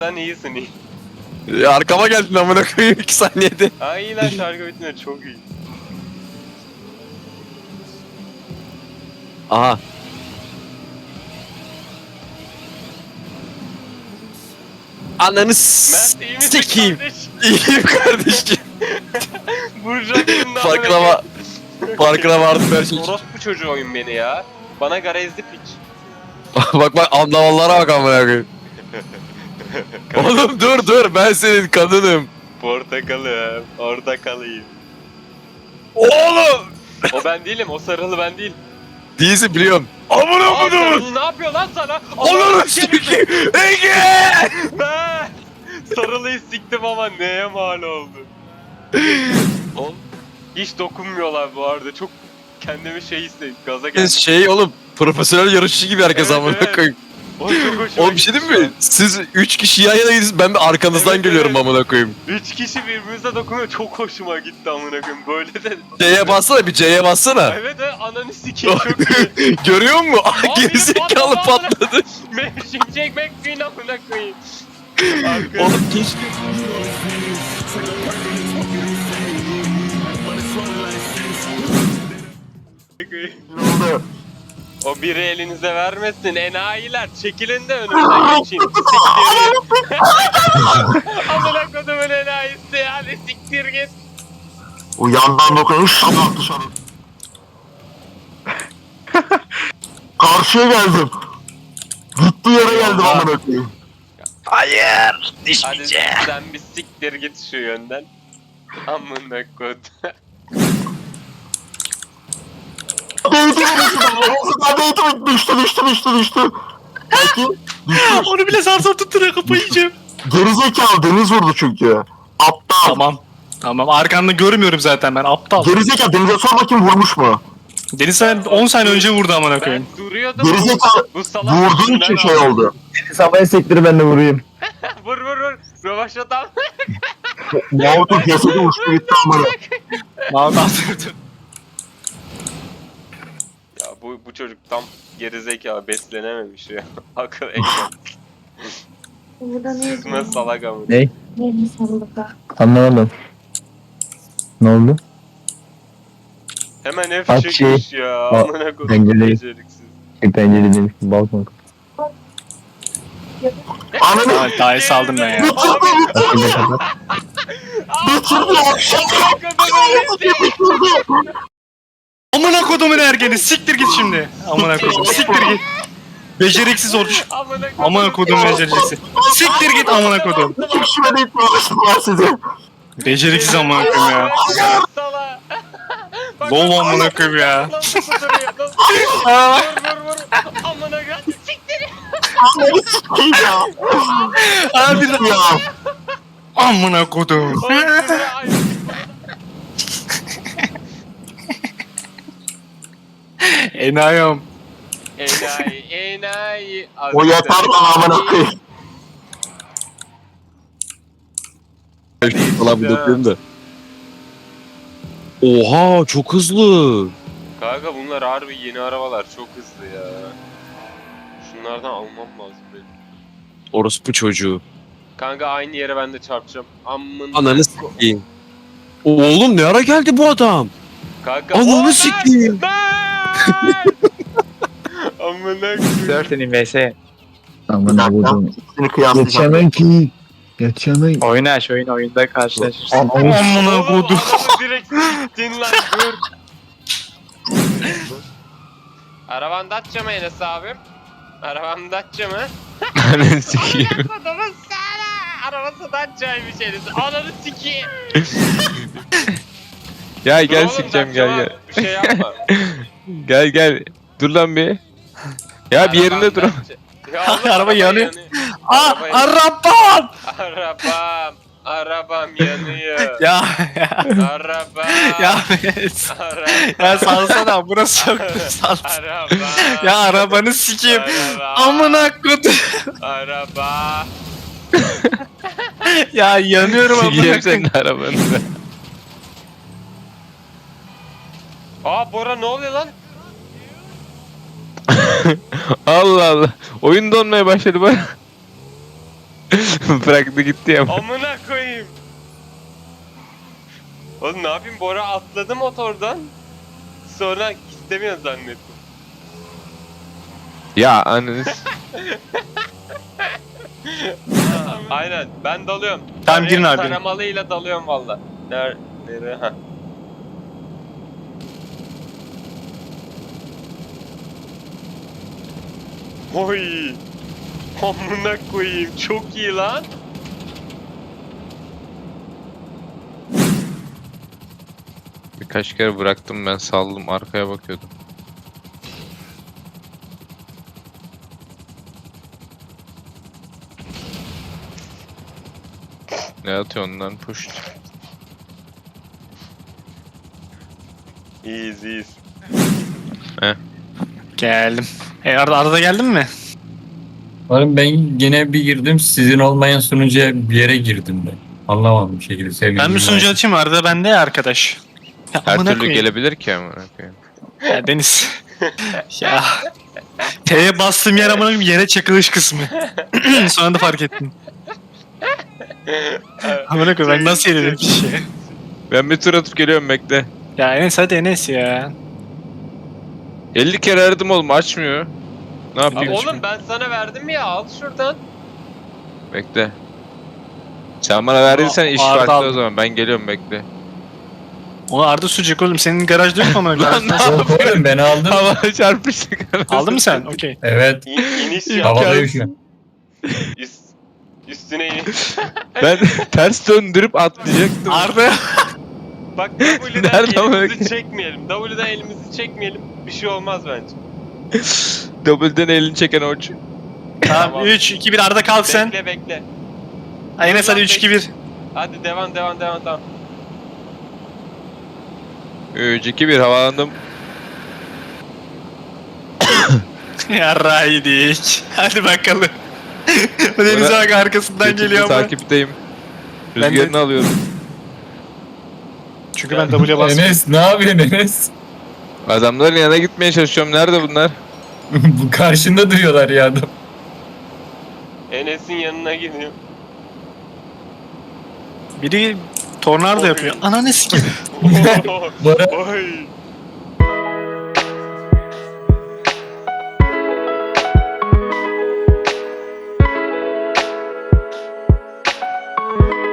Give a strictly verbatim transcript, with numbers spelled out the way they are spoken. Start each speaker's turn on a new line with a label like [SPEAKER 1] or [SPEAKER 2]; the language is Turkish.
[SPEAKER 1] Sen iyisin iyi.
[SPEAKER 2] Ya arkama geldin amına koyayım iki saniyede.
[SPEAKER 1] Ha iyi lan şarkı bitince çok iyi.
[SPEAKER 2] Aha. Ananı
[SPEAKER 1] Mert iyi misin
[SPEAKER 2] sikeyim.
[SPEAKER 1] kardeş?
[SPEAKER 2] İyiyim kardeşim.
[SPEAKER 1] Burju'nun
[SPEAKER 2] Farkına var. Farkına vardım her şey.
[SPEAKER 1] Orospu çocuğu oyun beni ya. Bana garezli piç.
[SPEAKER 2] Bak bak anlamalara bak amına koyayım. Oğlum dur dur ben senin kadınım.
[SPEAKER 1] Portakalım, orada kalayım.
[SPEAKER 2] Oğlum.
[SPEAKER 1] O ben değilim, o sarılı ben değil.
[SPEAKER 2] Değilsin biliyorum. Amına
[SPEAKER 1] Aa,
[SPEAKER 2] koydum.
[SPEAKER 1] sarılı ne yapıyor lan sana?
[SPEAKER 2] Ananı sikeyim. Ege.
[SPEAKER 1] Ben sarılıyı siktim ama neye mal oldu?
[SPEAKER 2] Oğlum.
[SPEAKER 1] Hiç dokunmuyorlar bu arada. Çok kendimi şey hissettim. Gaza geldim.
[SPEAKER 2] Şey oğlum profesyonel yarışçı gibi herkes
[SPEAKER 1] Evet,
[SPEAKER 2] amına
[SPEAKER 1] evet.
[SPEAKER 2] koyayım.
[SPEAKER 1] O çok hoşuma
[SPEAKER 2] Oğlum bir şey
[SPEAKER 1] gitti
[SPEAKER 2] diyeyim mi?
[SPEAKER 1] şu an.
[SPEAKER 2] Siz üç kişi yan yana gidiyorsunuz ben de arkanızdan
[SPEAKER 1] Evet,
[SPEAKER 2] geliyorum
[SPEAKER 1] evet.
[SPEAKER 2] amına koyayım.
[SPEAKER 1] Üç kişi birbirimize dokunuyor. Çok hoşuma gitti amına koyayım. Böyle de.
[SPEAKER 2] C'ye bassana bir C'ye bassana.
[SPEAKER 1] Evet evet ananı sikeyim çok iyi.
[SPEAKER 2] Görüyor musun? Ah,
[SPEAKER 1] Abi,
[SPEAKER 2] gerizekalı
[SPEAKER 1] patladı,
[SPEAKER 2] patladı.
[SPEAKER 1] Şimşek McQueen amına koyayım.
[SPEAKER 2] Oğlum keşke.
[SPEAKER 1] O biri elinize vermesin enayiler. Çekilin de önümden geçeyim. Siktir. Amına kodumun enayisi hadi siktir git.
[SPEAKER 3] O yandan dokunuş sabah dışarı. Karşıya geldim. Gitti yere geldim amına koyayım.
[SPEAKER 2] Hayır.
[SPEAKER 1] Hadi sen bir siktir git şu yönden. Amına kod.
[SPEAKER 3] Değdi değdi düştü düştü düştü düştü. Peki düştü.
[SPEAKER 4] Onu bile zar zor tutturuyor kafayı yiyeceğim.
[SPEAKER 3] Gerizekalı Deniz vurdu çünkü. Aptal.
[SPEAKER 4] Tamam. Tamam arkamda görmüyorum zaten ben aptal.
[SPEAKER 3] Gerizekalı Deniz'e sor bakayım vurmuş mu?
[SPEAKER 4] Deniz sen on saniye önce vurdu amına
[SPEAKER 1] Ben
[SPEAKER 4] koyayım.
[SPEAKER 1] duruyordum.
[SPEAKER 3] Gerizekalı
[SPEAKER 1] Bu salak
[SPEAKER 3] vurduğun
[SPEAKER 1] yüzünden
[SPEAKER 3] için şey
[SPEAKER 1] aldı.
[SPEAKER 3] oldu.
[SPEAKER 5] Havaya sektir ben de vurayım.
[SPEAKER 1] Vur vur vur. Rövaşat al.
[SPEAKER 3] Mahmut'un cesedi uçtu gitti amına.
[SPEAKER 4] Mahmut attırdı.
[SPEAKER 1] Ya bu bu çocuk tam gerizekalı beslenememiş ya. Akıl ekran.
[SPEAKER 6] Burada ne
[SPEAKER 1] Süzme salak amına.
[SPEAKER 5] Ne?
[SPEAKER 6] Yeni sandıkta.
[SPEAKER 5] Anlamadım. Ne oldu?
[SPEAKER 1] Hemen F
[SPEAKER 5] Bak
[SPEAKER 1] çekmiş
[SPEAKER 5] şey,
[SPEAKER 1] ya.
[SPEAKER 5] bak,
[SPEAKER 1] Amına kodum
[SPEAKER 5] pencereyi-
[SPEAKER 1] beceriksiz.
[SPEAKER 5] Bir pencere demiş balkon.
[SPEAKER 3] Ananı
[SPEAKER 4] Tamam daha iyi saldım ben ya.
[SPEAKER 3] bitirdi
[SPEAKER 5] Şimdi kapat.
[SPEAKER 3] bitirdi akşam. Bitirdi.
[SPEAKER 4] Amına kodumun ergeni siktir git şimdi. Amına kodum siktir git. Beceriksiz olmuş.
[SPEAKER 1] Amına kodum.
[SPEAKER 4] Amına kodum beceriksiz. Siktir git amına kodum.
[SPEAKER 3] Kişime deyip uğraştılar sizi.
[SPEAKER 4] Beceriksiz amına kodum ya.
[SPEAKER 1] Sala. Bak,
[SPEAKER 4] Lol
[SPEAKER 1] bak,
[SPEAKER 4] amına
[SPEAKER 1] bak,
[SPEAKER 4] koyayım ya.
[SPEAKER 1] Nasıl kuduruyor? Nasıl? Vur vur vur. Amına kodum. Siktir.
[SPEAKER 3] Ananı sikeyim ya.
[SPEAKER 4] Abi de
[SPEAKER 3] Ya.
[SPEAKER 4] amına kodum.
[SPEAKER 1] Oğlum, şuraya ay-
[SPEAKER 4] Enayım.
[SPEAKER 1] Enayi, enayi.
[SPEAKER 3] O yeter lan amına koyayım.
[SPEAKER 2] Falan bir dokuyayım da. Oha çok hızlı.
[SPEAKER 1] Kanka bunlar harbi yeni arabalar çok hızlı ya. Şunlardan almam lazım benim.
[SPEAKER 2] Orospu çocuğu.
[SPEAKER 1] Kanka aynı yere ben de çarpacağım. Amına.
[SPEAKER 2] Ananı sikeyim. Oğlum ne ara geldi bu adam?
[SPEAKER 1] Kanka.
[SPEAKER 2] Ananı
[SPEAKER 1] Oo, ben-
[SPEAKER 2] sikeyim.
[SPEAKER 1] ben! Amına koyayım.
[SPEAKER 7] Dörtünün vs.
[SPEAKER 5] Aman
[SPEAKER 3] Bir dakika.
[SPEAKER 5] vurdum.
[SPEAKER 3] İkisini kıyaslayacağım.
[SPEAKER 5] Yetişemem ki. Yetişemem.
[SPEAKER 7] Oyunu aç oyun oyunda karşılaşırsın.
[SPEAKER 5] Anam.
[SPEAKER 4] Amına
[SPEAKER 1] Oğlum
[SPEAKER 4] kodum.
[SPEAKER 1] adamı direkt siktin lan dur. Araban Dacia mı Enes abim? Araban Dacia mı?
[SPEAKER 2] Ananı sikeyim.
[SPEAKER 1] Amına kodumun sana. Arabası Dacia'ymış Enes. Ananı sikeyim.
[SPEAKER 2] Ya
[SPEAKER 1] Dur
[SPEAKER 2] gel
[SPEAKER 1] oğlum,
[SPEAKER 2] sikeceğim gel
[SPEAKER 1] Dacia
[SPEAKER 2] gel.
[SPEAKER 1] Bir şey yapma.
[SPEAKER 2] Gel gel. Dur lan bir. Ya bir yerinde dur.
[SPEAKER 1] Araban Dacia. Ya oğlum,
[SPEAKER 4] Araba yanıyor. Aa
[SPEAKER 1] Araba yanıyor.
[SPEAKER 4] arabam.
[SPEAKER 1] Arabam. Arabam yanıyor.
[SPEAKER 4] Ya ya.
[SPEAKER 1] Arabam.
[SPEAKER 4] Ya evet.
[SPEAKER 1] Arabam.
[SPEAKER 4] Ya salsana burası çok sal.
[SPEAKER 1] Arabam.
[SPEAKER 4] Ya arabanı sikeyim.
[SPEAKER 1] Araba.
[SPEAKER 4] Amına kodum.
[SPEAKER 1] Araba.
[SPEAKER 4] Ya yanıyorum amına
[SPEAKER 2] Sikeyim
[SPEAKER 4] koyayım.
[SPEAKER 2] senin arabanı.
[SPEAKER 1] Aa Bora ne oluyor lan?
[SPEAKER 2] Allah Allah. Oyun donmaya başladı bana. Bıraktı gitti ya.
[SPEAKER 1] Amına koyayım. Oğlum ne yapayım, Bora atladı motordan. Sonra istemiyor zannettim.
[SPEAKER 2] Ya ananız.
[SPEAKER 1] Aynen, ben dalıyorum.
[SPEAKER 4] Tamam, girin abi.
[SPEAKER 1] Taramalıyla dalıyorum valla. Nerede? Nerede? Ha. Oy. Amına koyayım, çok iyi lan.
[SPEAKER 2] Birkaç kere bıraktım ben, saldım, arkaya bakıyordum. Ne atıyorsun lan, push.
[SPEAKER 1] İyiyiz iyiyiz.
[SPEAKER 4] Geldim. E Arda, Arda geldin mi?
[SPEAKER 8] Oğlum ben yine bir girdim, sizin olmayan sunucuya bir yere girdim ben. Anlamadım bir şekilde. Sevmedim.
[SPEAKER 4] Ben bir sunucu açayım, Arda bende ya arkadaş. Ya,
[SPEAKER 2] Her
[SPEAKER 4] amına
[SPEAKER 2] türlü
[SPEAKER 4] koyayım.
[SPEAKER 2] gelebilir ki ama. koyayım.
[SPEAKER 4] Ya Deniz. Ya. T'ye bastığım yer amına koyayım yere çakılış kısmı. Sonra da fark ettim. Amına koyayım ben nasıl yedim bir şey.
[SPEAKER 2] Ben bir tur atıp geliyorum, bekle.
[SPEAKER 4] Ya Enes hadi Enes ya.
[SPEAKER 2] elli kere aradım oğlum, açmıyor. Ne yapayım?
[SPEAKER 1] Oğlum ben sana verdim ya, al şuradan.
[SPEAKER 2] Bekle. Sen bana verdiysen iş
[SPEAKER 4] Arda
[SPEAKER 2] farklı o
[SPEAKER 4] aldım.
[SPEAKER 2] zaman. Ben geliyorum, bekle.
[SPEAKER 4] Onu Arda sucuk oğlum, senin garajda yok mu amına
[SPEAKER 2] Lan
[SPEAKER 4] koyayım?
[SPEAKER 8] Yok oğlum ben aldım.
[SPEAKER 2] Havaya çarpıştık.
[SPEAKER 4] Aldın mı sen? Okey.
[SPEAKER 8] Evet.
[SPEAKER 1] İn, iniş yap.
[SPEAKER 8] Havadayım şu an.
[SPEAKER 1] Üst, üstüne in.
[SPEAKER 2] Ben ters döndürüp atlayacaktım.
[SPEAKER 4] Arda.
[SPEAKER 1] Bak W'den
[SPEAKER 2] Nerede ama?
[SPEAKER 1] elimizi çekmeyelim. W'den elimizi çekmeyelim. Bir şey olmaz bence.
[SPEAKER 2] Double'den elini çeken oç.
[SPEAKER 4] Tamam üç iki bir Arda kalk sen.
[SPEAKER 1] Bekle bekle.
[SPEAKER 4] Ha, Enes hadi üç iki bir.
[SPEAKER 1] Hadi devam devam devam devam.
[SPEAKER 2] üç iki bir havalandım.
[SPEAKER 4] Yarra yedik. Hadi bakalım. Denize bak arkasından
[SPEAKER 2] Götümle
[SPEAKER 4] geliyor ama.
[SPEAKER 2] takipteyim.
[SPEAKER 4] Ben de-
[SPEAKER 2] Rüzgarını alıyorum.
[SPEAKER 4] Çünkü ben W'ye bastım.
[SPEAKER 8] Enes ne yapıyorsun Enes?
[SPEAKER 2] Adamların yanına gitmeye çalışıyorum. Nerede bunlar?
[SPEAKER 8] Bu karşında duruyorlar ya adam.
[SPEAKER 1] Enes'in yanına gidiyor.
[SPEAKER 4] Biri tornado yapıyor. Ananı sikeyim.
[SPEAKER 8] Bora
[SPEAKER 1] Oy.